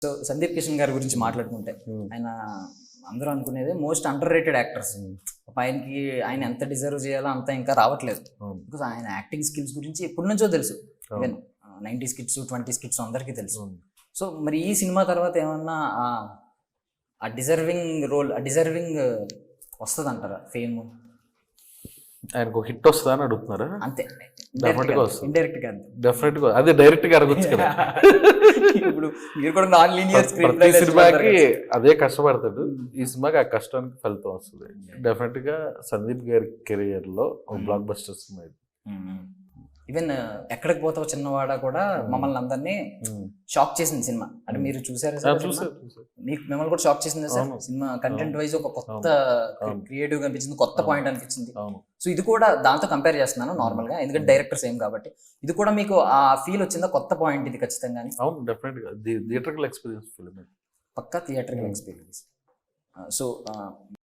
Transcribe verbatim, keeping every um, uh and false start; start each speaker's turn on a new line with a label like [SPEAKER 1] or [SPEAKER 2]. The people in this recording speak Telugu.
[SPEAKER 1] సో సందీప్ కిషన్ గారి గురించి మాట్లాడుకుంటే ఆయన అందరూ అనుకునేది మోస్ట్ అండర్ రేటెడ్ యాక్టర్స్. ఆయనకి ఆయన ఎంత డిజర్వ్ చేయాలో అంత ఇంకా రావట్లేదు. బికాస్ ఆయన యాక్టింగ్ స్కిల్స్ గురించి ఎప్పటి నుంచో తెలుసు. Even ninety skits twenty skits అందరికీ తెలుసు. సో మరి ఈ సినిమా తర్వాత ఏమన్నా ఆ డిజర్వింగ్ రోల్ ఆ డిజర్వింగ్ వస్తుంది అంటారా? ఫేమ్
[SPEAKER 2] ఆయనకు హిట్ వస్తుందా అని అడుగుతున్నారా?
[SPEAKER 1] అంతే,
[SPEAKER 2] డెఫినెట్ గా వస్తుంది.
[SPEAKER 1] ఇండైరెక్ట్ గా అంతే.
[SPEAKER 2] డెఫినెట్ గా అదే డైరెక్ట్ గా అడగొచ్చు కదా.
[SPEAKER 1] ఇప్పుడు మీరు కూడా నాన్ లీనియర్ స్క్రీన్
[SPEAKER 2] ప్రతి సినిమాకి అదే కష్టపడతాడు, ఈ సినిమాకి ఆ కష్టానికి ఫలితం వస్తుంది. డెఫినెట్ గా సందీప్ గారి కెరియర్ లో బ్లాక్ బస్టర్ సినిమా ఇది.
[SPEAKER 1] ఈవెన్ ఎక్కడికి పోతావు చిన్నవాడ కూడా మమ్మల్ని అందరినీ షాక్ చేసింది సినిమా. అంటే మీరు చూసారు మీకు మిమ్మల్ని కూడా షాక్ చేసింది సార్ సినిమా. కంటెంట్ వైజ్ ఒక కొత్త క్రియేటివ్ గా అనిపించింది, కొత్త పాయింట్ అనిపించింది. సో ఇది కూడా దాంతో కంపేర్ చేస్తున్నాను నార్మల్ గా, ఎందుకంటే డైరెక్టర్ సేమ్ కాబట్టి. ఇది కూడా మీకు ఆ ఫీల్ వచ్చిందా? కొత్త పాయింట్ ఇది ఖచ్చితంగా.
[SPEAKER 2] అవును, డెఫినెట్ గా థియేటర్కల్ ఎక్స్పీరియన్స్ ఫిల్మ్,
[SPEAKER 1] పక్కా థియేటర్కల్ ఎక్స్పీరియన్స్. సో